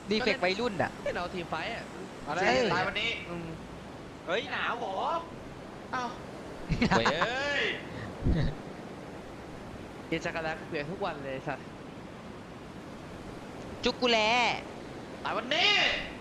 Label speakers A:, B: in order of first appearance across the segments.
A: ดีเฟกต์วัยรุ่นอ่ะ
B: เราทีมไฟท์อ่ะอะไร
C: ตายวันนี้เฮ้ยหนาวเหรอเอ้าเฮ้ย
B: กินจักรแลเปลี่ยนทุกวันเลยสัตว์
A: จุกกูแล
C: ตายวันนี้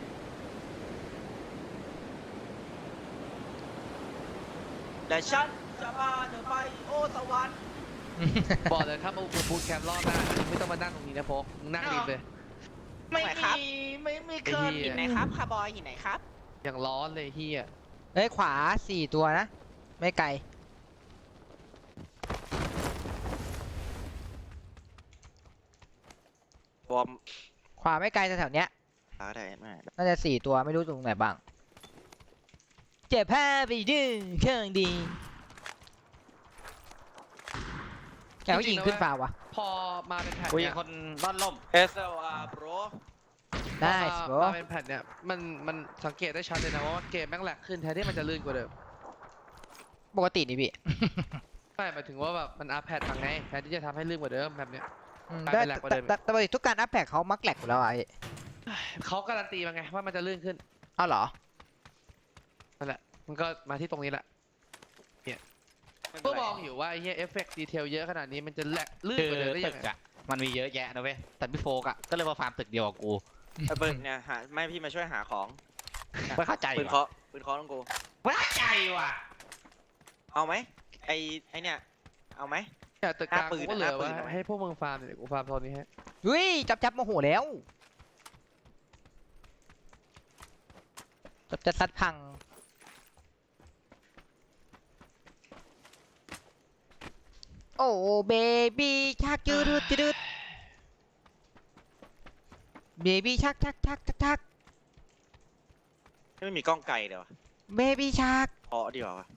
C: แต่ฉันจะพาเธอไปโอสวรรค์
B: บอกเลยครับมาบูทแคมป์รอบหน้าไม่ต้องมานั่งตรงนี้นะโฟกมึงนั่งริมเลย
C: ไม่มีเคย
B: หินไหน
C: ครับคาร์บอยหินไหนครับ
B: อย่างร้อนเลยเฮีย
A: เฮ้ยขวา4 ตัวนะ ไม่ไกล
C: วอร์ม
A: ขวาไม่ไกลแถวๆเนี้ย
C: ได้ไหม
A: น่าจะ4 ตัวไม่รู้ตรงไหนบ้าง เจ็บผ้าไปดื้อเครื่องดีแกก็ยิงขึ้นฟ้าวะ
B: พอมาเป็นแผ่น
C: คุย
B: เนี่ย
C: คนร่อนล่ม SLR bro
A: ได้
B: พอมาเป็นแผ่นเนี่ยมันสังเกตได้ชัดเลยนะว่าเกมแม่งแหลกขึ้นแทนที่มันจะลื่นกว่าเดิม
A: ปกตินี่พี่
B: ไม่หมายถึงว่าแบบมันอัพแพดมาไงแทนที่จะทำให้ลื่นกว่าเดิมแบบเนี้ย
A: ได้
B: แหลกกว่าเดิม
A: แต่ปกติทุกการอัพแพคเขามักแหลกอยู่แล้วอ่ะพี่
B: เขาการันตีมาไงว่ามันจะลื่นขึ้น
A: เอาเหรอ
B: นั่นแหละมันก็มาที่ตรงนี้แหละก็มองอยู่ว่าไอ้เหี้ยเอฟเฟกต์ดีเทลเยอะขนาดนี้มันจะแหลกลื่น
D: คื
B: กว่าเดิมได้
D: ตึ
B: ยัง
D: ก
B: ไง
D: อะมันมีเยอะแยะนะเว้ยแต่พี่โฟกอะก็เลยมาฟาร์มตึกเดียวกับกู
C: ไอ้เบิร์ดเนี่ยหาไม่พี่มาช่วยหาของ
D: ไม่เข้าใจ
C: ปืน
D: ว่ะ
C: เคาะต้องกู
D: ไม่เข้าใจว่ะ
C: เอาไหมไอ้เนี่ยเอาไหม
B: แต่ตึกกลาง
C: หน้าปืน
B: กูก็เหลือ
C: หน้าปื
B: ว่าน ให้พวกมึงฟาร์มเนี่ยเดี๋ยวกูฟาร์มตอนนี้ให้
A: เฮ้ยจับโมโหแล้วจะซัดพังโอ้เบบี้ชักจืดจืดเบบี้ชัก
C: ไม่มีกล้องไกลเดี๋ยว
A: เบบี้ชัก
C: เพาะดีกว่าวะ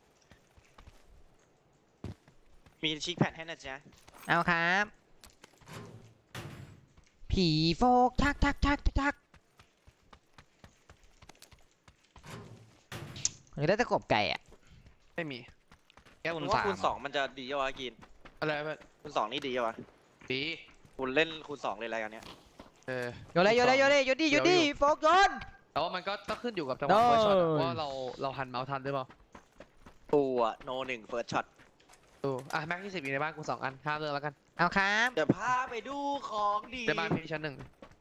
C: มีชิคแพดให้นะจ๊ะ
A: เอาครับผีโฟกชักหรือได้ตะกบไก่อ่ะ
B: ไม่มี
D: แค่
C: คุ
D: คุณ ณ
C: ว่า
D: สาม
C: คูณ 2มันจะดีวะกิน
B: อะไรแบบ
C: คูณ 2นี่ดีวะ
B: ดี
C: คุณเล่นคูณ 2เลยอะไรกันเนี้ย
B: เออ
A: โยนเลยหยุดดิโฟกโยน
B: แต่ว่ามันก็ต้องขึ้นอยู่กับจังหวะ
A: โอ้ย
B: เฟิร์สช็อตว่าเราหันเมาส์ทันหรือเปล่า
C: ตัวโน1 first shot
B: ดูอ่ะแม็กที่10อยู่ในบ้านกู2 อันห้ามเลือกแล้วกัน
A: เอาครับ
C: เดี๋ยวพาไปดูของดี
B: ในบ้านพี่ชั้น 1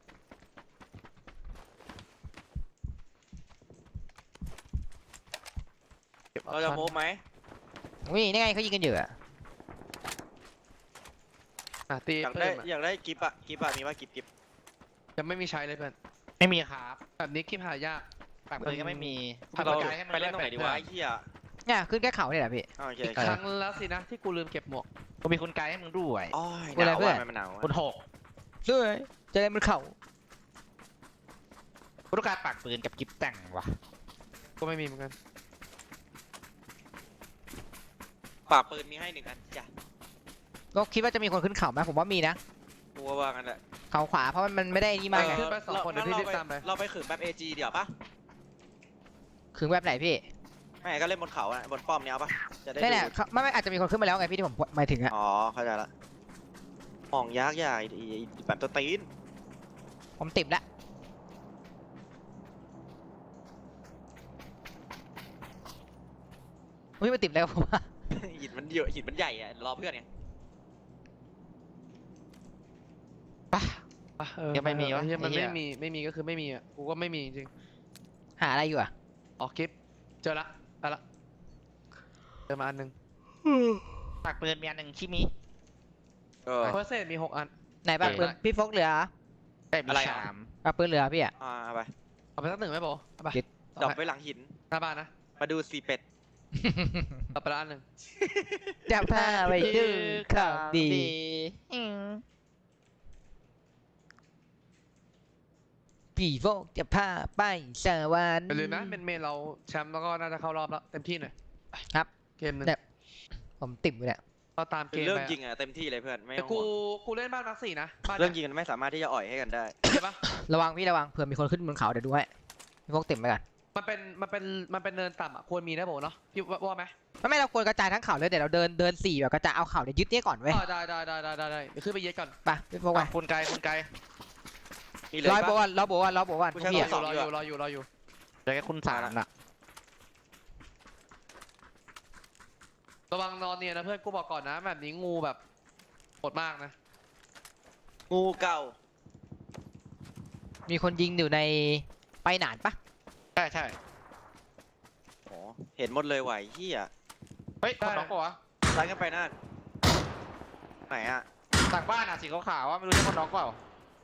B: เก็บออป
C: เราจะ
B: ชั่น
C: โมบไหม
A: วิ่นี่ไงเขายิงกันอยู่อะ
B: อ่ะตี
C: อยาก
B: เพิ่
C: ได้
B: มอ่ะ
C: อยากได้กิฟต์อะมีว่ากิฟต์
B: ยังไม่มีใช้เลยเพื่อน
D: ไม่มีครับ
B: แบบนี้คลิปหายาก
D: ปากปืนก็ไม่มี
C: เรา
D: ปากปืนให้มัน
C: ไปเล่นตรงไหนดีวะไอ้เหี้ย
A: เนี่ยขึ้นแค่เขาเนี่ยแหละพี่
C: โอเค
B: อีกครั้งแล้วสินะที่กูลืมเก็บหมวก
D: กูมีคุณไกด์ให้มึงด้วย
C: อ๋อห
A: อะไร
C: นาว
A: เพื่อน
C: ว่ะมันหนาว
D: คุณ
C: อะ
D: หก
A: ด้วยเจอมันเข่า
D: กูต้องการปากปืนกับกิฟต์แต่งว่ะ
B: ก็ไม่มีเหมือนกัน
C: ปากปืนมีให้1 อันจ้ะ
A: ก็คิดว่าจะมีคนขึ้นเขาไหมผมว่ามีนะ
C: กูว่างั้นแหละ
A: เขาขวาเพราะมันไม่ได้นี่มากไง
B: ขึ้นไป2 คนเดี๋ยวพี่รีบตามไป
C: เราไปขืนแบบ AG เดี๋ยวปะ
A: ถึงแบบไหนพี่
C: ไม่ก็เล่นบนเขาอะบนป้อมเนี้ยเอาปะจะได้
A: นี่แหละ
C: ดู
A: เขาไม่อาจจะมีคนขึ้นมาแล้วไงพี่ที่ผมหมายถึงอะ
C: อ๋อเข้าใจละมองยากใหญ่แบบตัวตีน
A: ผมติดละอุ้ยมันติดแล้วผมว่า
C: หินมันเยอะหินมันใหญ่อะรอเพื่อนไง
B: อ่ะเออ
D: ยังไม่มีวะ
B: เหี้ยมัน
D: ไอ้เหี้
B: ไม่
D: ย
B: มีก็คือไม่มีอ่ะกูก็ไม่มีจริง
A: หาอะไรอยู่อะ
B: ออกคลิปเจอละได้ละเจอมาอันหนึง
D: ปากปืนมีอันหนึ่งชิมิ
C: เออ
B: เฟิร์สเซตมี6 อัน
A: ไหนบ้างปืนพี่โฟกเหลือ
D: ได้มี
C: อะไรอ่ะ
D: 3
A: ปะปืนเหลือพี่อะ
C: เอาไป
B: เอาไปสัก1ไหมโบเอาไป
A: เจ็ด
C: ดรอปไว้หลังหิน
B: หน้าบ้านนะ
C: มาดูสีเป็ด
B: เอาไปละอันหนึ่ง
A: จับผ้าไปดื้อข่าวดีผีโฟกจะพาไปสวรรค์
B: อย่าลืมนะเป็นเมนเราแชมป์แล้วก็น่าจะเข้ารอบแล้วเต็มที่หน่อย
A: ครับ
B: เกมหนึง
A: เนี่ย ผมติ่มอยู่เนี่ย
B: เราตามเกม
C: เรื่อง
B: ไป
C: ยิงอะเต็มที่เลยเพื่อนไม่
B: แต่
C: ต้อง
B: กู
C: ห่วง
B: กูเล่นบ้านมาร์ค 4นะบ้าน
C: เรื่องยิงมันไม่สามารถที่จะอ่อยให้กันได้
B: ใช่ปะ
A: ระวังพี่ระวังเผื่อมีคนขึ้นบนเขาเดี๋ยวดูให้พี่โฟกติ่มไปก่อน
B: มันเป็นเนินต่ำอ่ะควรมีนะโบเนาะพี่ว่าไหม
A: ไม่เราควรกระจายทั้งเขาเลยเดี๋ยวเราเดิน4แบบกระจายเอาเขาเนี่ยยึดเนี่ยก่อนเว้ย
B: ได้เดี๋ยวขึ้นไปเย็ดก่อน
A: ไปพี่โฟกไป
D: คุณไกด์
C: มีเลย
A: รอ
C: ปะ
A: โบวันรอโบวันรอโบวัน
C: กูใช้
A: พี่
C: ข
A: อะ
C: ง
B: รออยู่
D: เจอแค่คุณสามน่ะ
B: ระวังนอนเนี่ยนะเพื่อนกูบอกก่อนนะแบบนี้งูแบบโหดมากนะ
C: งูเก่า
A: มีคนยิงอยู่ในไปหนานปะ
D: ใช่ใช่
C: โอ้เห็นหมดเลยไหวเฮีย
D: เฮ้ยคนน้องปะวะ
C: ไล่กันไปนั่นไหนอะ
D: ต่างบ้านอ่ะสีขาวๆว่าไม่รู้ใช่คนน้องเปล่า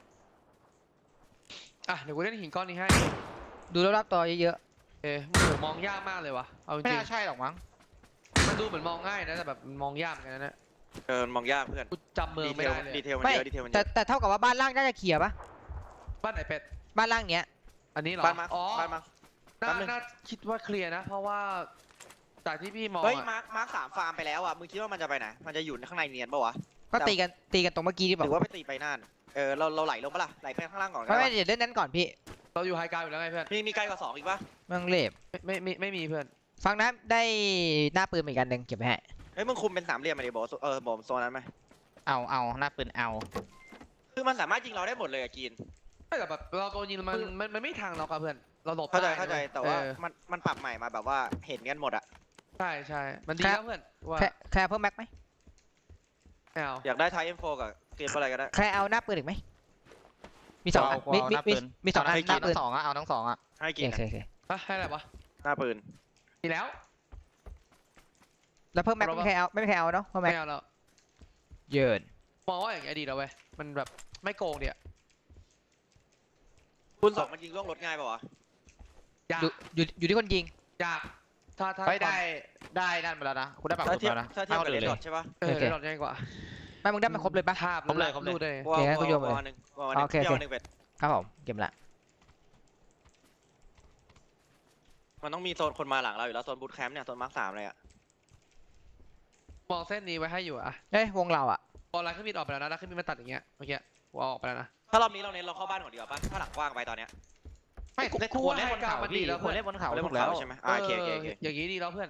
B: อ่ะเดี๋ยวกูเล่นหินก้อนนี้ให้
A: ดูรอบๆตัวเยอะ
B: โอ้โหมองยากมากเลยวะเอาจ
D: ไม่
B: ริง
D: น่าใช่หรอกมั้ง
B: ๆมันดูเหมือนมองง่ายนะแต่แบบมันมองยากเหมือนกันนะเนี่ย
C: มองยากเพื่อน
B: กูจำเมือง
C: ดีเท
B: ไม่
C: ล
B: ได้เลย
C: ดีเทล
A: ๆ
C: มัน
A: ไม่
C: เยอะดีเทลมันเย
A: แต่
C: อะ
A: แต่เท่ากับว่าบ้านล่างน่าจะเคลียร์ปะ
B: บ้านไหนเป็ด
A: บ้านล่างเนี้ย
B: อันนี้เหรอ
C: บ้านมา
B: อ๋อ
C: บ้านมา
B: น่า
C: แป๊บนึง
B: น่าคิดว่าเคลียร์นะ เพราะว่าจากที่พี่มอง
C: เฮ้ย
B: อะ
C: มาร์คสามฟาร์มไปแล้วอะมึงคิดว่ามันจะไปไหนมันจะอยู่ข้างในเนียนปะวะ
A: ก็
C: แต่
A: ตีกันตรงเมื่อกี้ที่บ
C: ห
A: อก
C: รือว่าไปตีไปนั่นเราไหลลงปะล่ะไหลไปข้างล่างก่อน
A: ไม่ไม่เดี๋ยวเล่นนั้นก่อนพี่
B: เราอยู่ไฮกราวด์อยู่แล้วไงเพื่อน
C: มีไกลกว่า2อีกปะ
A: เมืองเล็บ
B: ไม่มีเพื่อน
A: ฟังนะได้หน้าปืนเหมือนกันหนึ่งเก็บไว้ให้
C: เฮ้ยมึงคุมเป็นสามเหลี่ยมมาดิบอกบอกโซนนั้นไหม
D: เอาหน้าปืนเอา
C: คือมันสามารถยิงเราได้หมดเลยอะกีน
B: ไม่แต่แบบเราโดนยิงมันไม่ทางเราครับเพื่อนเราหลบ
C: เข้าใจ
B: ได้
C: เข้าใจ
B: นะว้ย
C: แต่ว่า
B: เออ
C: มันปรับใหม่มาแบบว่าเห็นกันหมดอะ
B: ใช่มันดีแล้วเพื่อนว่า
A: แคร์เพิ่มแม็กไหม
B: ไม่เอา
C: อยากได้ไทเอ็มโฟกับเกมอะไรก็ได้
A: แคร์เอาหน้าปืนอีกไหมมีสองอันมีสองอัน
D: ให้
A: ห
D: กิ
A: น้าน ปื
D: ทั้
A: น
D: งสองอ่ะเอาทั้งสองอ่ะ
C: ให้
A: โอ
C: กิน
A: เคโอเค
B: ให้อะไรวะ
C: หน้าปืน
B: มีแล้ว
A: แล้วเพิ่มแม็กไม่มีใครเอาไม่มีใครเอาเนาะเพิ่มแม็
B: ไม่
A: ก
B: เอาแล้ว
A: เยิน
B: มองว่าอย่างเงี้ยดีแล้วเว้ยมันแบบไม่โกงเดีย
C: คุณ2มันยิงล่วงรถง่ายป่าวะ
B: ยาก
A: อยู่ที่คนยิง
B: ยากถ้า
D: ไม่ได้นั่นมาแล้วนะคุณได้ปาก
C: ถ้า
D: คุณ
C: เทียบ
D: แล้วนะ
C: ถ้าเทียบกับ
D: เล
C: เร
D: ย
C: ดดอทใช่ปะ
B: เออได้หลอดง่ายกว่า
A: ไม่มึงได้มาครบเลยปะ
B: ภาพ
D: ครบเลย
B: รูดเลย
C: วอล
A: โอเคงั้นกูโยน
C: ว
A: มาเลย
C: อลหนึ่งวอลหนึ่ง
A: โอเค
C: เที่ยวหนึ่งเป็ด
A: ครับผมเก็บละ
C: มันต้องมีโซนคนมาหลังเราอยู่แล้วโซนบูทแคมป์เนี่ยโซนมาร์ค3เลยอะ
B: มองเส้นนี้ไว้ให้อยู่อะ
A: เอ้ยวงเราอ่ะ
B: บอลไลน์ขึ้นมีดออกไปแล้วนะแล้วขึ้นมีดมาตัดอย่างเงี้ยเมื่อกี้กูเอาออกไปแล้วนะ
C: ถ้ารอบนี้เราเน้นเราเข้าบ้านก่อนดีกว่าปะถ้าหลังกว้างไปตอนเนี้ย
D: ไม่
B: กู
D: ควรเล่นบนเขา
B: ให้กลางมันดี
D: พี่
B: แล้ว
D: ควรเล่นบนเขา
C: เราเล่นบ
D: ถู
C: น
D: กแล้ว
C: เขาใช่ไหมโอเคโอเคโอเค
B: อย่างงี้ดีแล้วเพื่อน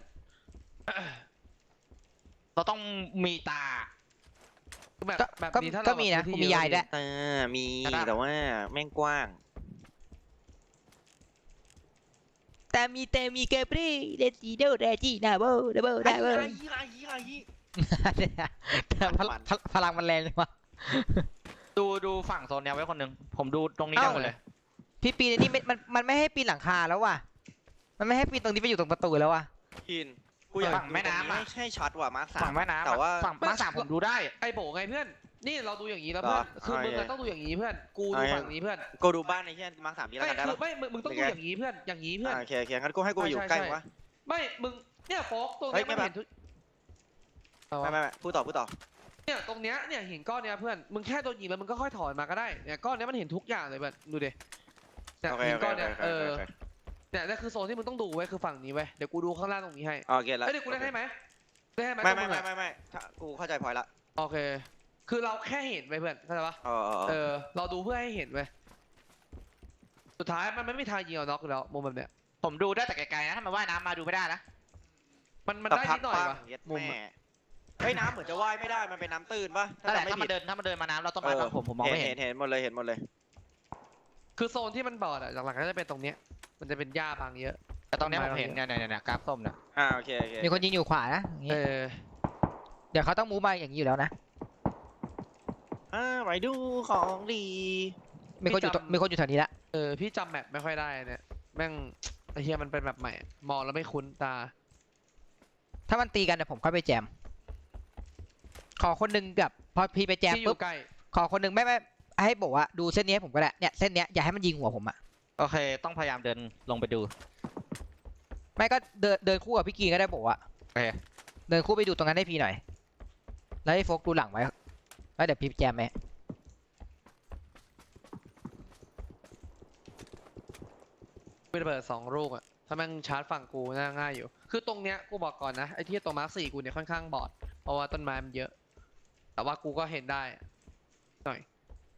D: เราต้องมีตา
B: คือแบบ
A: ก็
B: แบบ
A: ก็
B: นี้ถ้า
A: ก็
B: เรา
A: มีนะ
B: พื้
A: กู
B: ที่
A: มี
B: เอะ
A: ยายด้วย
C: มี
D: กระดาษ
C: แต่ว่าแม่งกว้าง
A: แต่มีเกปรี่เดจิโดเดจินาโบดับเบิลดับเบิลพลังมันแรงเลยวะ
D: ดูฝั่งโซนเนี้ยไว้คนหนึงผมดูตรงนี้ได้หมดเลย
A: พี่ปีนนี่มันไม่ให้ปีนหลังคาแล้วว่ะมันไม่ให้ปีนตรงนี้ไปอยู่ตรงประตูแล้วว่ะ
C: กินกูอยาก
D: ฝั่งแม่น้ำอะ
C: ไม่ใช่ช็อตว่ะมาร์ค
D: ฝั่ง
C: 3
D: แม่น้ำ
C: แต่ว่า
D: ฝั่งมาสามผมดูได้
B: ไอ้โบไงเพื่อนนี่เราดูอย่างนี้แล้วเพื่อน
C: เหรอ
B: คือมึง
C: โอเค
B: ต้องดูอย่างนี้เพื่อนกูดูฝั่งนี้เพื่อน
C: กูดูบ้านในที่มาร์ค3นี้แล้ว
B: ไม่
C: กันได้
B: คือ
C: ปะ
B: ไม่มึงต้องดูอย่างนี้เพื่อนอย่างนี้เพื่อน
C: โอเคโอเคงั้นกูให้กูไปอยู่ใกล้มึงวะ
B: ไม่มึงเนี่ยโฟกตรง
C: เฮ้
B: เนี้
C: ย
B: ยมัน
C: ไม่
B: เห็นทุก
C: ไม่พูดต่อ
B: เนี่ยตรงเนี้ยเนี่ยหินก้อนเนี้ยเพื่อนมึงแค่โดนยิงแล้วมึงก็ค่อยถอนมาก็ได้เนี่ยก้อนเนี้ยมันเห็นทุกอย่างเลยเพื่อนดูดิเนี่ย
C: โอเค
B: หิน
C: โอเค
B: ก้อนเนี้ย
C: โอเค
B: เนี่ยนี่คือโซนที่มึงต้องดูไว้คือฝั่งนี้ไว้เดี๋ยวกูดูข้างล่างตรงนี้ให้
C: โอเคแล้ว
B: เอ้ยเดี๋ยวกูเล่นให้ไหมเล่นให้ไหม
C: ไม่
B: ตรงมึงอะ
C: ไม่ถ้ากูเข้าใจพอยละ
B: โอเค คือเราแค่เห็นไปเพื่อนเข้าใจปะ
C: เออ
B: เราดูเพื่อให้เห็นไปสุดท้ายมันไม่มีทางยิงเอาน็อกอยู่แล้วมุมแบบเนี้ย
D: ผมดูได้แต่ไกลๆนะถ้ามันว่ายน้ำมาดูไม่ได้นะ
B: มัน
C: แต่
B: ได้
C: พั
B: นิดหน่อย
C: ปัง
B: ปะ
C: เย็ด
B: มุม
C: แม่
B: อะ
C: เฮ้ยน้ำเหมือนจะว่ายไม่ได้มันเป็นน้ำตื้นปะ
D: นั่นแหละ
C: จำไม่
D: ถ้า
C: ผิ
D: มั
C: ด
D: นเดินมาน้ำเราต้องมาทางผมมองไม่เห็น
C: เห็นหมดเลยเห็นหมดเลย
B: คือโซนที่มันบอดอะหลักๆก็จะเป็นตรงเนี้ยมันจะเป็นหญ้าบางเยอะ
D: แต่ตรงเนี้ยผมเห็นเนี่ยกราฟส้มเนี่ย
C: โอเค
A: มีคนยิงอยู่ขวานะอย่างงี้ เดี๋ยวเขาต้องมูฟมาอย่างนี้อยู่แล้วนะ
C: ไปดูของดี
A: มีคนอยู่แถวนี้ละ
B: พี่จำแมปไม่ค่อยได้เนี่ยแม่งไอ้เฮียมันเป็นแบบใหม่มองแล้วไม่คุ้นตา
A: ถ้ามันตีกันเดี๋ยวผมค่อยไปแจมขอคนหนึงกับพอพี่ไปแจม
B: ที่อ
A: ปุ๊บ
B: ยู่ใกล้
A: ขอคนหนึงไม่ให้บอกว่าดูเส้นนี้ให้ผมก็ได้เนี่ยเส้นเนี้ยอย่าให้มันยิงหัวผมอะ
D: โอเคต้องพยายามเดินลงไปดู
A: ไม่ก็เดินคู่กับพี่กีก็ได้บอกว่า
D: โอเค
A: เดินคู่ไปดูตรงนั้นให้พี่หน่อยแล้วให้โฟกดูหลังไว้แล้วเดี๋ยวพี่แจมไหม
B: มีระเบิด2 ลูกอะถ้าแม่งชาร์จฝั่งกูน่าง่ายอยู่ คือตรงเนี้ยกูบอกก่อนนะไอ้ที่ตัวมาร์ค4กูเนี่ยค่อนข้างบอดเพราะว่าต้นไม้มันเยอะ แต่ว่ากูก็เห็นได้หน่อย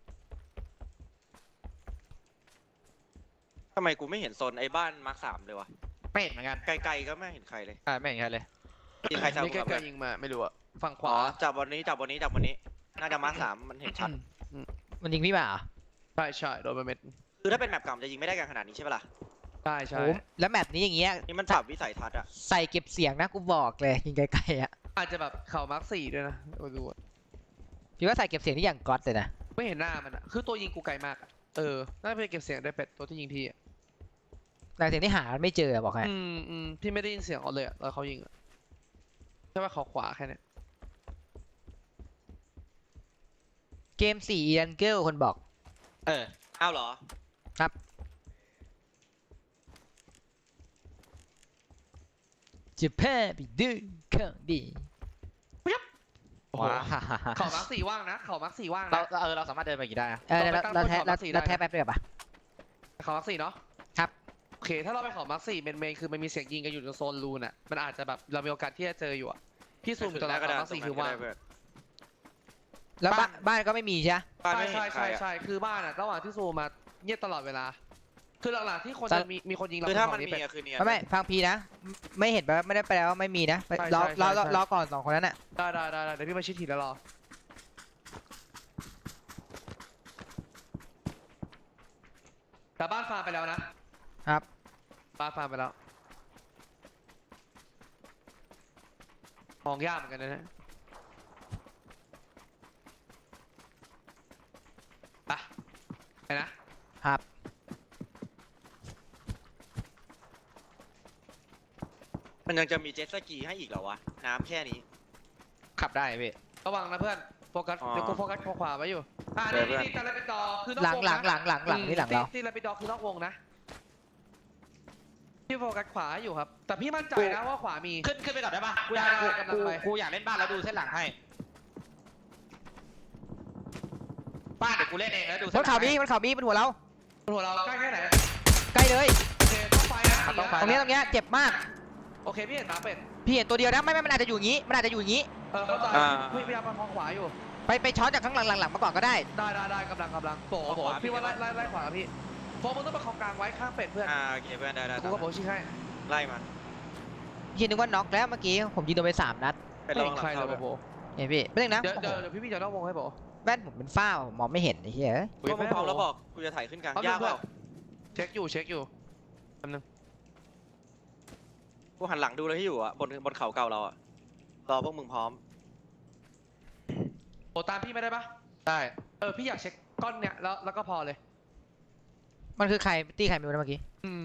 C: ทำไมกูไม่เห็นโซนไอ้บ้านมาร์ค3เลยวะ
D: ไม่เห็นเหมือนกัน
C: ไกลๆก็ไม่เห็นใครเลย
D: ไม่เห็นใครเลย
C: มีใครจับ
B: นี่
C: กูกับ
B: ใกล้ๆยิงมาไม่รู้อะฝั่งข
C: อ๋
B: วา
C: อจับวันนี้น่าจะมาร์ค3มันเห็นชัด
A: มันยิงพี่มาเหรอ
B: ใช่ใช่โดนไปเม็ด
C: คือถ้าเป็นแมปเก่ามันจะยิงไม่ได้กันขนาดนี้ใช่ปะล่ะ
B: ใช่ใช่
A: โอ้แล้วแมปนี้อย่างเงี้ย
C: นี่มันปรับวิสัยทัศน์อะ
A: ใส่เก็บเสียงนะกูบอกเลยยิงไกลๆอ่ะ
B: อาจจะแบบเข่ามาร์คสี่ด้วยนะดูอะ
A: พี่ว่าใส่เก็บเสียงที่อย่างก๊อตเลยนะ
B: ไม่เห็นหน้ามันอะคือตัวยิงกูไกลมากอะน่าจะเป็นเก็บเสียงได้เป็ดตัวที่ยิงพี่อะ
A: แต่เสียงที่หาไม่เจอบอกให้
B: พี่ไม่ได้ยินเสียงเขาเลยอะตอนเขายิงอะแค่ว่าเขาขวาแค่เนี้ย
A: เกม4อีรันเกิลคนบอก
C: อ้าวเหรอ
A: จะแพ้ไปดื้อของดี
B: โอ้โห
D: ว้า
B: เข่ามาร์คสี่ว่างนะเข่ามาร์คสี่ว่าง
D: เรา
B: นะ
D: เราสามารถเดินไปกี่ได้นะ
A: เราแท้
B: ต้องไปตั้งบนขอบสี่ได้
A: เราแท้แป๊บเดียวปะ
B: เข่ามาร์คสี่เนาะ
A: ครับ
B: โอเคถ้าเราไปเข่ามาร์คสี่เมนคือมันมีเสียงยิงกันอยู่ในโซนรูนอะมันอาจจะแบบเรามีโอกาสที่จะเจออยู่อะพี่ซูมอยู่ตอนนั้นเข่ามาร์คสี่คือว่าง
A: แล้วบ้านก็ไม่มีใช่ไหม
C: บ้านไม่เห็นใครอะ
B: ใช่คือบ้านอะระหว่างที่ซูมมาเงียบตลอดเวลา คือหลังๆที่คน
A: แต่
B: จะมีคนยิงเรา
C: คือถ้ามัน
B: ฝั่ง
C: มี
B: เป็ด
C: อะคือเนียน
A: ไม่ฟังพีนะ ไม่เห็นแปลว่าไม่ได้แปลว่าไม่มีนะ
B: ใช่
A: รอ
B: ใช่ใช่
A: รอก่อน2คนนั้นน่ะ
B: ได้เดี๋ยวพี่มาชิดทีแล้วรอแต่บ้านฟาร์มไปแล้วนะครับ บ้านฟาร์มไปแล้วมองยากเหมือนกันนะเนี่ยไปนะครับ
C: มันยังจะมีเจ็ตสกีให้อีกเหรอวะ น้ำแค่นี้
D: ขับได้พี่
B: ระวังนะเพื่อนโฟกัส
C: อ๋อ
B: เดี๋ยวกูโฟกัสขวาไว้อยู่
C: เดี๋ยว
B: นี่แต่ละเป็นดอคือนอก
A: หลัง
B: วง
A: หลั
B: นะ
A: งนี่หลังเรา
B: ที่ละเป็นดอคือนอกวงนะพี่โฟกัสขวาอยู่ครับ แต่พี่มั่นใจนะว่าขวามี
D: ขึ้นไปก่อนได้ปะกูอยาก
B: ได้กำลังไป
D: กูอยากเล่นบ้านแล้วดูเส้นหลังให้บ้านเดี๋ยวกูเล่นเองแล้วดู
A: บ
D: เส้
A: น
D: นหลั
A: เขา
D: ง
A: มี
D: ให้
A: บนเขามีบนหัวเรา
B: หัวเราใกล้แค่ไหน
A: ใกล้เลย
B: โอเคต้องไฟนะ
D: ต้องไฟ
A: ตรงเนี้ยเจ็บมาก
B: โอเคพี่เห็นตาเป็ด
A: พี่เห็นตัวเดียวนะไม่มันอาจจะอยู่อย่างงี้มันอาจจะอยู่อย่างงี้
B: เข้าใจ
C: อ่า
B: พี่พยายามประคองขวาอยู่
A: ไปช้อนจากข้างหลังมาก่อนก็ได้
B: ได้กำลังโบพี่ว่าไล่ขวาพี่โฟมึงต้องประคองกลางไว้ข้างเป็ดเพื่อน
C: โอเคเพื่อนได้
B: กูก็โบชี้ให้
C: ไล่มัน
A: พี่นึกว่าน็อกแล้วเมื่อกี้ผมยิงโดนไป3 นัด
C: เป็น
B: ไม่
C: ระวั
B: เห็
C: ง
B: น
C: หลั
B: ใครง เล
C: เข้าย ด้วย
B: โบ
A: เห็นพี่ไม่ต้องนะ
B: เดี๋ยวพี่จะนอกวงให้โบ
A: แว่นผมเป็นฝ้าผมมองไม่เห็นไอ้เหี้ย
C: พวกมึงพร้อมแล้วบอกกูจะถ่ายขึ้นกลางยากเปล่า
B: เช็คอยู่แป๊บนึง
C: กูหันหลังดูเลยที่อยู่อะบนเขาเก่าเราอะรอพวกมึงพร้อม
B: โบตามพี่ไม่ได้ปะ
D: ได้
B: พี่อยากเช็คก้อนเนี้ยแล้วก็พอเลย
A: มันคือใครตีใครไม่รู้นะเมื่อกี้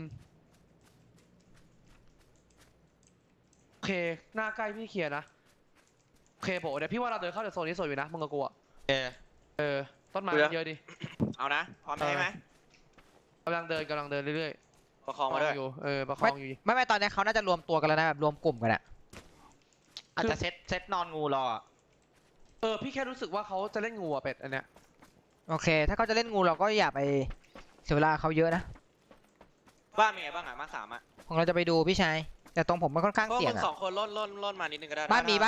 B: โอเคหน้าใกล้พี่เคลียร์นะโอเคโบเดี๋ยวพี่ว่าเราเดินเข้าจากโซนนี้สวยอยู่นะมึงกับกูอะต้นไม้เยอะดิ
C: เอานะ พร้อมใช่ไหม
B: กำลังเดินเรื่อย
C: ประคองมาด้วย
B: อยู่ประคองอยู่
A: ไม่ตอนนี้เขาน่าจะรวมตัวกันแล้วนะแบบรวมกลุ่มกันอะ
D: อาจจะเซตนอนงูรออะ
B: พี่แค่รู้สึกว่าเขาจะเล่นงูอะเป็ดอันเนี้ย
A: โอเค ถ้าเขาจะเล่นงูเราก็อย่าไปเสียเวลาเขาเยอะนะ
C: บ้านเป็นไงบ้างอะมาร์ค3อะ
A: ของเราจะไปดูพี่ชายแต่ตรงผมมันค่อนข้าง
C: พวก
A: เสี่ย
C: มึ
A: ง
C: ง
A: อะ
C: 2 คนล่นมานิดนึงก็ได้
A: บ้านมีบ้าน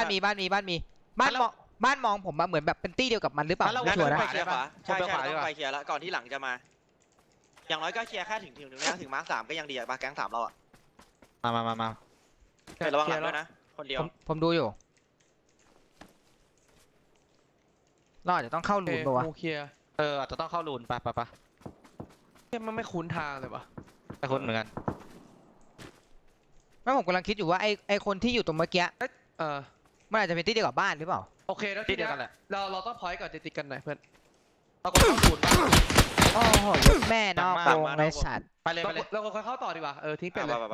A: มองผมมาเหมือนแบบเป็นตี้เดียวกับมันหรือเปล่า
C: งั้น
A: ชัวร์นะ
C: ไปเคลียร์ขวาใช่
D: ไปขวาดี
C: ต้
D: ก
C: อง
D: ว่า
C: ไปเคลียร์แล้วก่อนที่หลังจะมา อย่างน้อยก็เคลียร์แค่ถึงนะถึงมาร์ค3ก็ยังดีอะมาแก๊ง3เราอะ
D: มา
C: แต่ระวังหลังด้วยนะ คนเดียว
A: ผมดูอยู่เราอาจจะต้องเข้าหลุมปะวะ
B: งูเคลียร์
D: อาจจะต้องเข้ารูนไป
B: มันไม่คุ้นทางเลยวะ
D: ไปคนเหมือนกัน
A: ไม่ผมกำลังคิดอยู่ว่าไอคนที่อยู่ตรงเมื่อกี้
B: เออ
A: มันอาจจะเป็นตี้เดียวกับบ้านหรือเปล่า
B: โอเคแล้ว
D: ที่
B: ที
D: เดีย
B: เนี้
D: วย กันแหละ
B: เราต้องพอยต์ก่อนจะติดกันหน่อยเพื่อน
D: ต้องเข้ารูน
A: โอ้โหแม่นอกวงไอสัตว์
D: ไปเลย
B: เราค่อยเข้าต่อดีกว่าทิ้งเป็ดเลย
C: ไป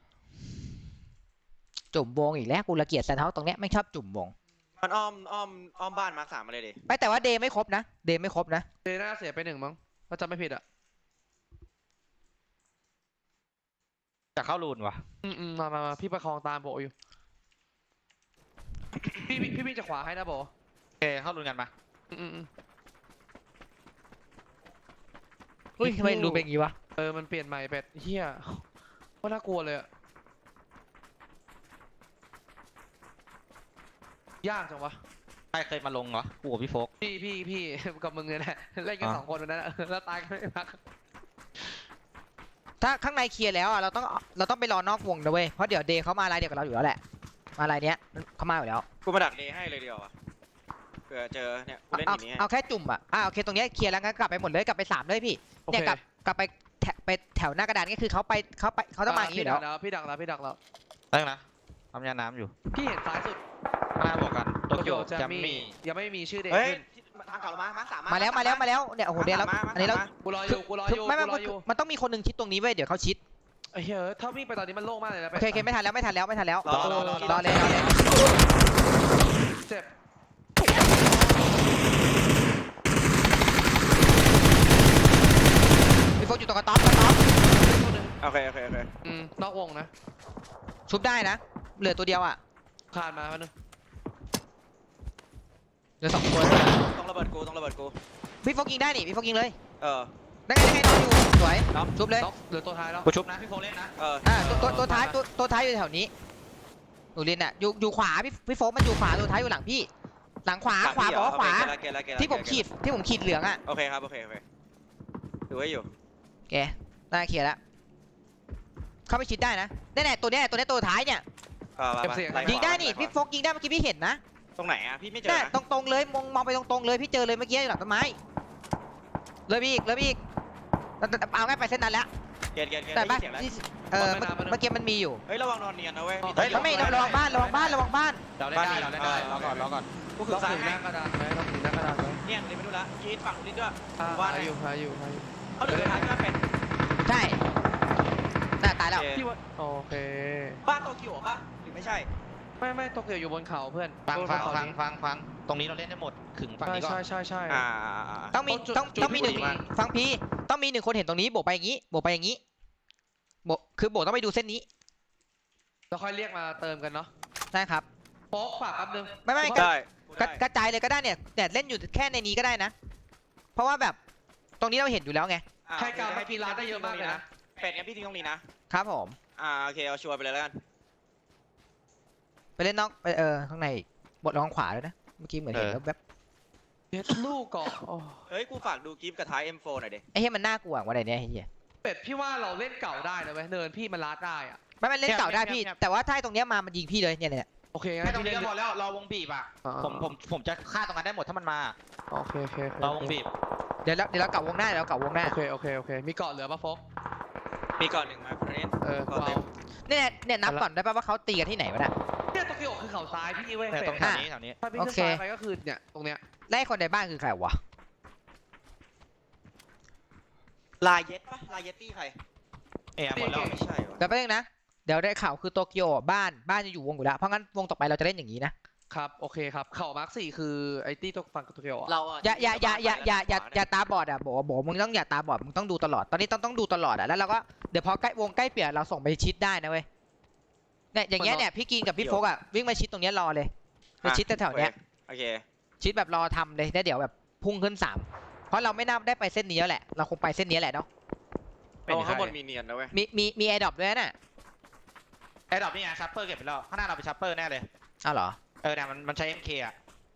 A: จุ่มวงอีกแล้วกูระเกียจแซนเท้าตรงเนี้ยไม่ชอบจุ่มวง
C: มันอ้อมบ้านมาร์ค3มาเลยดิ
A: ไม่แต่ว่าเดย์ไม่ครบนะเดย์ไม่ครบนะ
B: เดน่าเสียไป1มั้งถ้าจำไม่ผิดอ่ะ
D: จะเข้ารูนวะ
B: มาพี่ประคองตามโบอยู่พี่วิ่งจากขวาให้นะโบ
D: โอเคเข้ารูนกันมา
A: อุ้ยทำไมรูเป็นอย่างงี้วะ
B: มันเปลี่ยนใหม่เป็ดเฮียว่าน่ากลัวเลยอะยากจังวะ
D: ใครเคยมาลงเหรอกูกับพี่โฟก
B: พี่กับมึงเนี่ยแหละเล่นกัน2 คนวันนั้นแล้วตายกันไม่พัก
A: ถ้าข้างในเคลียร์แล้วอ่ะเราต้องไปรอนอกวงนะเว้ยเพราะเดี๋ยวเดย์เขามาลายเดียวกับเราอยู่แล้วแหละมาลายเนี้ยเขามาอยู่แล้ว
C: กูมาดักเดย์ให้เลยเดียวอะผื่อเจอเนี่ยกูเล่น
A: เอา
C: อย่างนี้
A: เอาแค่จุ่มอ่ะโอเคตรงเนี้ยเคลียร์แล้วงั้นกลับไปหมดเลยกลับไป3เลยพี่
B: โอ
A: เนี่ย
B: เค
A: กลับไปแถวหน้ากระดานก็คือเขาต้องมาอย่างนี้อยู่แล้ว
B: พี่ดักแล้วพี่ดักแล้ว
D: ได้นะทำยาน้ำอยู่
B: พี่เห็นซ้ายสุด
D: ข้างหน้าบอกกันโตเกียว
B: จะ
D: จะ
B: มี
D: มี
B: ยังไม่มีชื่อเด็ก
C: เฮ้ย
B: ขึ้น
C: ทางเก่าเรามาสาม
A: มาแล้วเนี่ยโอ้โหเดี๋ยวแล้วอันนี้เรา
B: กูรออยู่กูรอ
A: คือ
B: อยู่
A: ไม่
B: กูรออยู่
A: มันต้องมีคนหนึ่งชิดตรงนี้เว้ยเดี๋ยวเขาชิด
B: ไอ้เหี้ยถ้าวิ่งไปตอนนี้มันโล่งมากเลยนะ
A: โอเคไม่ทันแล้วไม่ทันแล้ว
C: รอ
A: รอเลย
B: เจ็บ
A: พี่โฟกอยู่ตรงกระต๊อบ
C: โอเค
B: นอกวงนะ
A: ชุบได้นะเหลือตัวเดียวอ่ะ
B: คานมาแล้วนึง
A: เหลือ2 คน
C: ต้องระเบิดกู
A: พี่โฟกยิงได้นี่พี่โฟกยิงเลย
C: เออ
A: ได้ไงนอนอยู่สวยชุบเลย
B: นอกเหลือตัวท้ายแล้ว
D: กูชุบนะพี่โฟเล่นนะ
C: เออ
A: ตัวท้ายอยู่แถวนี้หนูลินอ่ะอยู่ขวาพี่โฟกมันอยู่ขวาตัวท้ายอยู่หลังพี่หลังขวาบอกว่าขวาที่ผมขีดเหลืองอ่ะ
C: โอเคครับดูไว้อยู่
A: แกน่าเคลียร์แล้วเข้าไปชิดได้นะแน่ๆตัวเนี้ยตัวท้ายเนี่ยยิงได้นี่พี่โฟกยิงได้เมื่อกี้พี่เห็นนะ
C: ตรงไหนอ่ะพี่ไม่เจอ
A: น่ะ
C: นะ
A: ตรงๆเลยมองไปตรงๆเลยพี่เจอเลยเมื่อกี้อยู่หลังต้นไม้เลยพี่อีกเอาง่ายไปเส้นนั้นแล้ว
C: เกียร์
A: แต่
C: ได้
A: บ้าน
C: เสียงแล้ว
A: เมื่อกี้มันมีอยู่
C: เฮ้ยระวังนอนเนียนนะเว้ย
A: ไม่ระวังบ้าน
D: เราเล่นได้รอก่อน
C: กู
B: ต้
C: คือ
B: อง
C: ซ้าย
B: ถือห
C: ให้
B: น้ากระดานไว้ต้องถือหน้ากระดานไว้
C: เนี่ยเลยไม่รู้ละกินฝั่งนู้นด้วย
B: ว่าอยู่
C: เขาเหลือท้ายก็เป็น
A: ใช่น่าตายแล้ว
B: พี่ว่าโอเค
C: บ้านโตเกียวป่ะหรือไม่ใช่
B: ไม่โตเกียวอยู่บนเขาเพื่อน
D: ฟังตรงนี้เราเล่นได้หมดขึงฝั่งนี้ก่อน
B: ใช่
A: ต้องมี
B: จุด
A: ต้องมีหนึ่ง
B: จุดที่ดีมาก
A: ฟังพี่ต้องมี1 คนเห็นตรงนี้โบกไปอย่างนี้คือโบกต้องไปดูเส้นนี้
B: แล้วค่อยเรียกมาเติมกันเนาะ
A: ใช่ครับ
B: โป๊กฝากแป๊บนึง
A: ไม่
C: ได้
A: กระจายเลยก็ได้เนี่ยเล่นอยู่แค่ในนี้ก็ได้นะ เพราะว่าแบบตรงนี้เราเห็นอยู่แล้วไง
B: ให้การมากินร้านได้เยอะมากเลยนะ
C: เป็ดงั้นพี่ทิ้งตรงนี้นะครับ
A: ผม
C: โอเคเอาชัวร์ไปเลยแล้วกัน
A: ไปเล่นนอกข้างในอีกบทระวังขวาด้วยนะเมื่อกี้เหมือนเห็นแล้วแบบ
B: เด็ดลูกก่อน
C: เฮ้ยกูฝากดูกิฟต์กับท้าย M4 หน่อยดิ
A: ไอ้เหี้ยมันน่ากลัวกว่าไหนเนี่ยไอ้เหี้ย
B: เป็ดพี่ว่าเราเล่นเก่าได้นะเว้ยเนินพี่มันลัดได้อะ
A: ไม่เล่นเก่าได้พี่แต่ว่าถ้าตรงเนี้ยมามันยิงพี่เลยเนี่ย
B: โอเคงั้
D: แค่
B: น
D: ตรง
B: พี่
D: นี้
B: เล่น
D: ก็พอแล้วรอวงบีบอ่ะผมจะฆ่าตรงนั้นได้หมดถ้ามันมา
B: โอเค
D: รอวงบีบ
A: เดี๋ยวเราเก่าวงหน้า
B: โอเคมีเกาะเหลือปะโฟก
C: มีก่อนหนึ่งมาคนนี้
B: กูเอา
A: เนี่ยนับก่อนได้ป่ะว่าเขาตีกันที่ไหนวะน่ะ
B: เนี่ยโตเกียวคือเขาซ้ายพี่เว้ย
D: เนี่ย
B: เป็
D: ตร
B: ด
D: งแถวนี้
B: ถ้าพี่ขึ้น
A: โอเค
B: ซ้ายไปก็คือเนี่ยตรงเนี้ย
A: ไล่คนในบ้านคือใครวะ
C: ลายเย็ดปะลายเย็ดตี้ใคร
D: หมดแล้ว
C: ไม่ใช่วะ
A: แต่ประเด็นนะเดี๋ยวได้ข่าวคือโตเกียวบ้านจะอยู่วงอยู่แล้วเพราะงั้นวงต่อไปเราจะเล่นอย่างนี้นะครับ
B: โอเคครับเข่ามาร์ค4คือไอ้ตี้ตกฝั่งโตเกียวอ่ะ
C: เรา
A: อย่าตาบอดอ่ะโบมึงต้องอย่าตาบอดมึงต้องดูตลอดตอนนี้ต้องดูตลอดอ่ะแล้วเราก็เดี๋ยวพอใกล้วงใกล้เปลี่ยนเราส่งไปชิดได้นะเว้ยเนี่ยอย่างเงี้ยเนี่ยพี่กินกับพี่โฟกอ่ะวิ่งมาชิดตรงเนี้ยรอเลยไปชิดแถวๆเนี้ย
C: โอเค
A: ชิดแบบรอทำเลยแล้วเดี๋ยวแบบพุ่งขึ้น3เพราะเราไม่น่าได้ไปเส้นนี้แล้วแหละเราคงไปเส้นนี้แหละเนาะ
C: เอาข้างบนมีเนียนนะเว้ย
A: มีแอร์ดรอปด้วยน่ะ
D: ไอ้ดอกนี่ไงชัปเปอร์เก็บไปแล้วข้างหน้าเราเป็นชัปเปอร์แน่เลย
A: อ้าวเหรอ
D: เนี่ยมันใช้ MK อ่ะ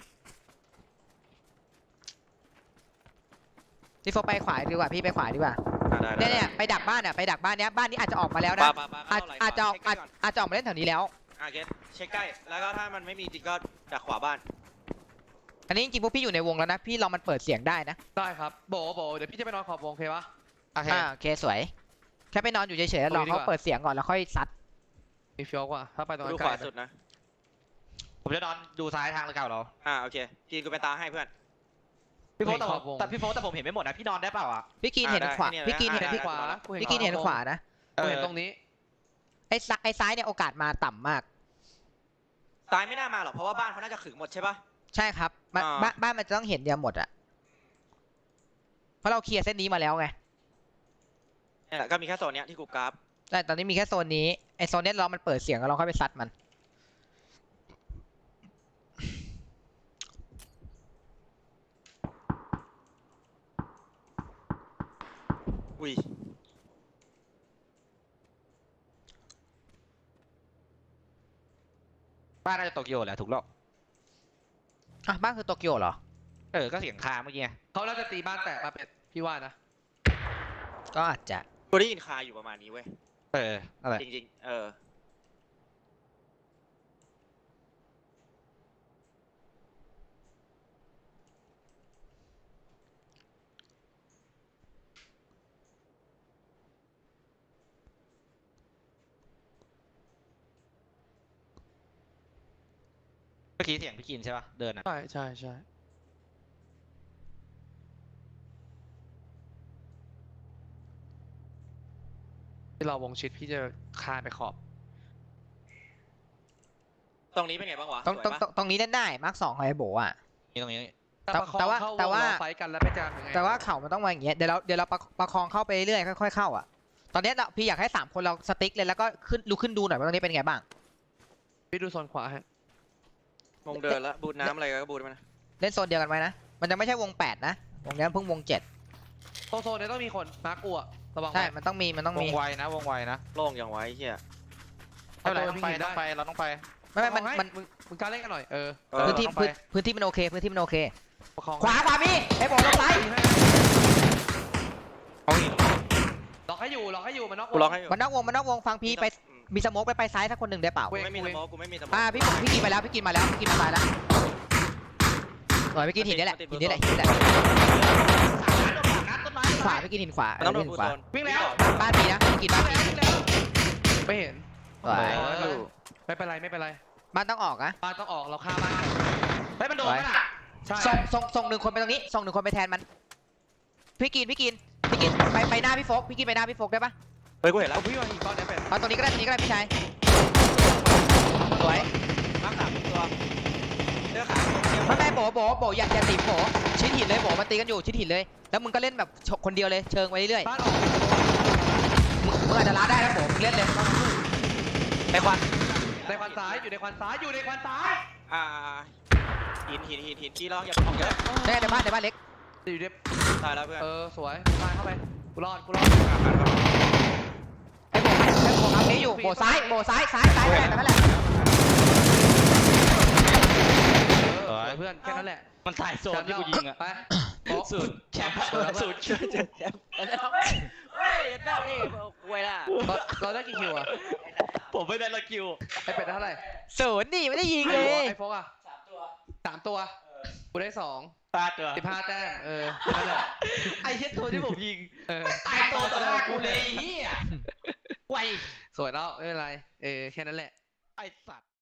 A: พี่โฟกไปขวาดีกว่าพี่ไปขวาดีกว่า
C: ได้
A: เนี่ยไปดักบ้านเนี้ยบ้านนี้อาจจะออกมาแล้วนะอาจจะออกมาเล่นแถวนี้แล้ว
C: เกตเช็คใกล้แล้วก็ถ้ามันไม่มีจริงก็ดักขวาบ้าน
A: อันนี้จริงๆพวกพี่อยู่ในวงแล้วนะพี่ลองมันเปิดเสียงได้นะ
B: ได้ครับโบเดี๋ยวพี่จะไปนอนขอบวงโอเคปะ
D: โอเค
A: โอเคสวยแค่ไปนอนอยู่เฉยๆแล้วรอเขาเปิดเสียงก่อนแล้วค่อยซัด
B: มีเฟี้ยวกว่าถ้าไปตรงนั้
C: ดู
B: น
C: ข
B: ไกล
C: วาสุดนะ
D: ผมจะนอนดูซ้ายทางเก่าเรา
C: โอเคกินกูไปตาให้เพื่อน
D: พี่โฟแต่พี่โฟแต่ผมเห็นไม่หมดนะพี่นอนได้เปล่าอ่ะ
A: พี่กินเห็นขวาพี่กินเห็น
B: ที่ขวา
A: พี่กินเห็นขวานะ
B: กูเห็นตรงนี้
A: ไอ้ซ้ายเนี่ยโอกาสมาต่ำมาก
C: ซ้ายไม่น่ามาหรอกเพราะว่าบ้านเขาน่าจะขึงหมดใช่ปะ
A: ใช่ครับบ้านมันจะต้องเห็นเดียวหมดอะเพราะเราเคลียร์เส้นนี้มาแล้วไง
C: เนี่ยแหละก็มีแค่โซนเนี้ยที่กูกราฟ
A: ใช่ตอนนี้มีแค่โซนนี้ไอ้โซนเนี้ยเรามันเปิดเสียงแล้วเราค่อยไปซัดมัน
C: อุ้ย
D: บ้านน่าจะโตเกียวแหละถูกแล้ว
A: บ้านคือโตเกียวเหรอ
D: ก็เสียงคาเมื่อกี้ไง
B: เขาน่าจะตีบ้านแตกมาเป็ดพี่ว่านะ
A: ก็อาจจะ
C: กูได้ยินคาอยู่ประมาณนี้เว้ย
D: อะไร
C: จริงๆ
D: เมื่อกี้เสียงพี่กินใช่ปะเดินอ่ะ
B: ใช่ใช่ใช่ที่เราวงชิดพี่จะคานไปขอบ
C: ตรงนี้เป็นไงบ้างวะ
A: ต้อง
C: สวย
A: ต้อง
C: ปะ
A: ต้องตรงนี้เล่นได้มาร์ค2ไอ้โบอ่ะ
D: นี่ตรงนี้
B: แต่ประคอง
A: แต่ว่า
B: เข้าวง
A: แต่ว่า
B: เราไฟท์กันแล้วไปจามยังไง
A: แต่ว่าเข่ามันต้องมาอย่างเงี้ยเดี๋ยวเราประคองเข้าไปเรื่อยๆค่อยๆเข้าอ่ะตอนเนี้ยพี่อยากให้3คนเราสติ๊กเลยแล้วก็ลุกขึ้นดูหน่อยว่าตรงนี้เป็นไงบ้าง
B: พี่ดูโซนขวาฮะ
C: วงเดินแล้วบูทน้ำอะไรก็บูทมันนะ
A: เล่นโซนเดียวกันไว้นะมันจะไม่ใช่วง8นะวงนี้เพิ่งวง7
B: โซนเนี้ยต้องมีคนมาร์กกูอะระวัง
A: ใช่
B: ไว้
A: มันต้องมี
D: วงไวนะวงไวนะ
C: โล่งอย่างไว้เฮีย
D: ไม่เป็นไร
B: เอาตัว
D: ต้องไป
B: พี่กินได้
D: ต้องไปเราต้องไป
A: ไม่ไม่
B: เอาให้
A: มัน
B: มึงกล้าเล่นกันหน่อย
C: เออ
A: พื้นที่
D: ต้องไป
A: พื้นที่มันโอเคพื้นที่มันโอเค
B: ประคอง
A: ขวามีไอ้โบลงซ้าย
D: เอาอีก
B: ล็อกให้อยู่มันนอก
C: กูล็อกให้อยู่
A: มันนอกวงฟังพี่ไปมีสโมกไปซ้ายสักคนหนึ่งได้เปล่า
C: กูไม่มีสโมกกูไม่มีสโมก
A: พี่กินมาแล้วพี่กินมาซ้ายแล้วหน่อยพี่กินหินนี่แหละหินนี่แหละขวาพี่กินหินขวา
C: มันต้องโดน
A: หิ
C: บู
A: น
C: ท
A: ขวา
C: โซน
B: วิ่งแล้ว
A: บ้านพี่นะพี่กินบ้านพี่
B: ไม่เห็น
A: สวย
B: ไม่เป็นไร
A: บ้านต้องออกนะ
B: บ้านต้องออกเราฆ่าบ้านก่อน
D: เฮ้ยมันโดนไหมล่ะ
B: ใช่
A: ส่งหนึ่งคนไปตรงนี้ส่งหนึ่งคนไปแทนมันพี่กินไปหน้าพี่โฟกพี่กินไปหน้าพี่โฟกได้ปะ
C: เฮ้ยกูเห็นแล้
B: เอา
C: ว
B: พี่มาอีกก้อนเนี้ยเป็ด
A: เอาตรงนี้ก็ได้พี่ชายสวย
C: มาร์ค3ตัวเลือกขา
A: ไม่โบอย่าตีโบชิดหินเลยโบมันตีกันอยู่ชิดหินเลยแล้วมึงก็เล่นแบบคนเดียวเลยเชิงไปเรื่อย
B: บ้านออก
A: มึงอาจจะล้าได้นะโบมึงเล่นเลย
C: ไปควัน
B: ในควันซ้ายอยู่ในควันซ้าย
C: หินขี้ล้ออย่าออกเยอะ
A: ได้ในบ้านเล็ก
B: อยู่ใน
C: ตายแล้วเพื่อน
B: สวยตายเข้าไปกูรอด
A: ไอ้โบทำนี้อยู่โบซ้ายนั่นแหละ
B: เพื่อนแค่นั้นแหละ
D: มันถ่ายโซนที่กูยิงอ่ะ
B: ไป
D: สุดแชมป์
C: สุดเฮ้ยได้นี่กูไว้ล่ะ
B: เราได้กี่คิวอะ
D: ผมไม่ได้ละคิว
B: ไอเป็ดได้เท่าไหร่
A: ศูนย์นี่ไม่ได้ยิงเลย
B: ไอโฟกอะ3 ตัวกูได้2
D: ตาตัว
B: 15 แต้มนั่นแหละ
D: ไอ้เช็ดตัวที่ผมยิง
B: ตายตัวต่อหน้ากู
D: กู
B: เล
D: เลย ยเฮียไว
B: สวยแล้วไม่เป็นไรแค่นั้นแหละ
D: ไอ้สัตว์